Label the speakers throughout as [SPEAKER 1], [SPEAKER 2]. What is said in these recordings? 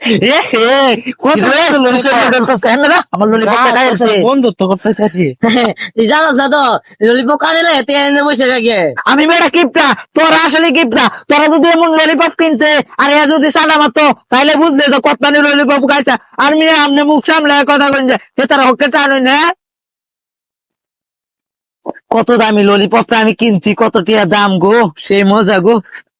[SPEAKER 1] আমার ললিপপটা খাইছে
[SPEAKER 2] বন্ধুত্ব করতেছি।
[SPEAKER 1] তুই জানাস না তো ললিপপ কানে না এতে এনে বসে থাকে। আমি বেটা কিপটা, তোরা আসলে কিপটা। তোরা যদি এমন ললিপপ কিনতে আর এ যদি সাদা মারতো তাহলে বুঝলে তো কত্তানি ললিপপ খাইছে। আর মিয়া আমনে মুখ সামলে কথা কইন যে তারা হকে চানুই না। কত দামি ললিপপটা আমি কিনছি, কত টিয়া দাম গো, সেই মজা গো।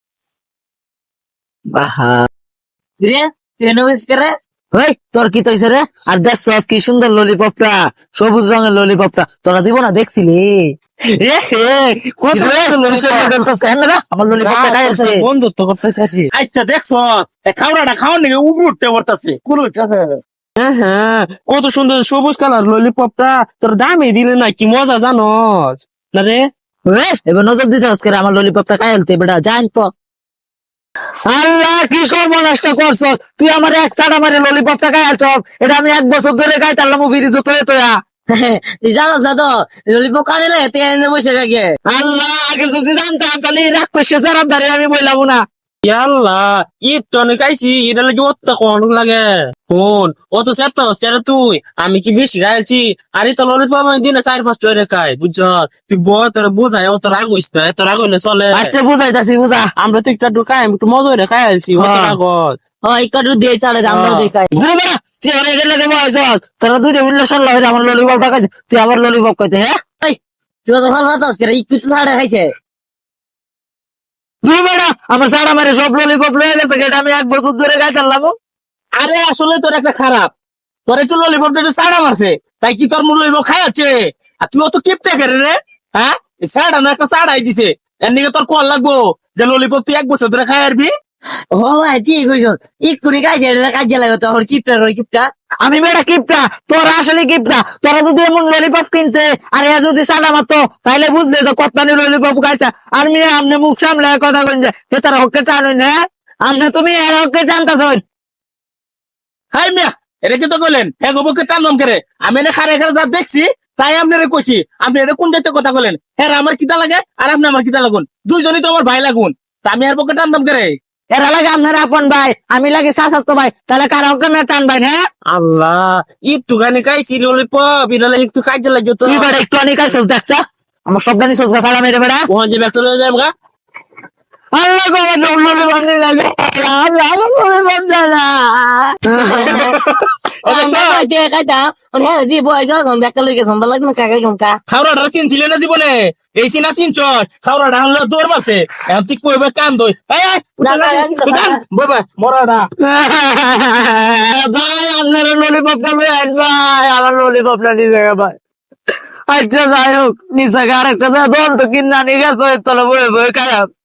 [SPEAKER 1] বাহা রে করে ওই তোর কি তৈছে রে? আর দেখছ কি সুন্দর ললিপপটা, সবুজ রঙের ললিপপটা তোরা দিব না দেখছিলি? আমার ললিপপটা খাইছে
[SPEAKER 2] বন্ধুত্ব করতেছি। আচ্ছা দেখছো খাওয়াটা খাওয়ার নাকি উপর উঠতে পড়তেছে কোন। হ্যাঁ হ্যাঁ, কত সুন্দর সবুজ কালার ললিপপটা, তোর দামে দিলে না কি মজা জানোস না রে?
[SPEAKER 1] এবার নজর দিতে আজকে আমার ললিপপটা খাইলতে বেটা জান তো। আল্লাহ কি সর্বনাশটা করছস তুই, আমার এক চাটা মারে ললিপপটা খাইলছস। এটা আমি 1 বছর ধরে খাইতাম বিরিত তোয়া তোয়া। তুই জানাস না তো ললিপপ কানে না এতে এনে বসে থাকে। আল্লাহ আগে যদি জানতাম তাহলে রাগ করছে সারাম ধারে আমি বললাম না।
[SPEAKER 2] ইয়াল্লা ঈদ তো অনেক আইসি, এটা লাগে অত কোন লাগে ফোন অত সেটা তুই আমি কি বেশি গাইছি? আরে তো ললিপপ আমি দিনে 4-5 টাকা খাই বুঝছ। তুই তোর বোঝাই অত রাগ হইস না, এত রাগ হইলে চলে।
[SPEAKER 1] আচ্ছা বুঝাইতাছি বুঝা,
[SPEAKER 2] আমরা তো একটু ঢুকাই একটু মজা হইলে খাই আলছি অত রাগত।
[SPEAKER 1] একটু দিয়ে চালে আমরাও দেখাই। তুই আমার এটা লাগে বয়স তোরা দুইটা উল্লাসন লাগে আমার ললিপপ খাইছে, তুই আবার ললিপপ খাইতে। হ্যাঁ তুই তো ভালো ভাত একটু তো ছাড়া খাইছে। আমার সারা মারে সব ললিপপ লয়ে গেছে, এটা আমি 1 বছর ধরে খাইতাম।
[SPEAKER 2] আরে আসলে তোর একটা খারাপ, তোর একটু ললিপপটা একটু ছাড়া মারছে তাই কি তোর ললিপপ খাই আছে? আর তুই অত কিপটা করে রে? হ্যাঁ ছাড়া না একটা ছাড়াই দিছে, এর নিকে তোর কল লাগবো যে ললিপপ তুই 1 বছর ধরে খাই আরবি? ও ভাই ঠিক হইছ, এক্ষুনি কাজে কাজে লাগে তোর কিপটা কিপটা।
[SPEAKER 1] আমি বেটা কিপটা, তোরা আসলে কিপটা। তোরা যদি এমন ললিপপ কিনতে আর এ যদি সাদা মারতো তাহলে বুঝলে তো কত্তানি ললিপপ খাইছে। আর মিয়া আমনে মুখ সামলে কথা কইন যে তারা হকে চানুই না। আমনে তুমি এর হকে জানতাছ।
[SPEAKER 2] হাই মিয়া এটা কি তো বলেন হ্যাঁ গোবরকে টানলাম করে? আমি এনে খারে খারে যা দেখছি তাই আপনারে কইছি। আপনি এটা কোন জাতীয় কথা বলেন? হ্যাঁ আমার কিতা লাগে আর আপনি আমার কিতা লাগুন, দুইজনই তো আমার ভাই লাগুন, তা আমি এর পক্ষে টানলাম করে?
[SPEAKER 1] এরা লাগে আপনার আপন ভাই, আমি লাগে চাচাতো ভাই, তাহলে কার হকে না টান ভাই? হ্যাঁ
[SPEAKER 2] আল্লাহ একটু গানে খাইছি ললিপপ, এটা একটু কাজে লাগে তো।
[SPEAKER 1] তুই বেটা একটু অনেক খাইছিস দেখছ, আমার সব গানি সোজা সালাম মেরে বেটা।
[SPEAKER 2] ওখান যে ব্যাগটা লয়ে যাই গা।
[SPEAKER 1] আল্লাহ গো আমার ললিপপ নিয়ে লাগে, আল্লাহ আমার ললিপপ দে না।
[SPEAKER 2] খাওয়াটা চিনছিলে না জীবনে? এই চিনা চিনছ? খাওয়াটা হলো দৌড় মারছে, এখন তুই কইবে কান দই মরাটা।
[SPEAKER 1] ভাই আপনার ললিপপটা ভাই, আমার ললিপপটা নিয়ে ভাই। আচ্ছা যাই হোক নিচে আরেকটা দন্ত কিনা নিয়ে গেছে, তোরা বয়ে বয়ে খারাপ।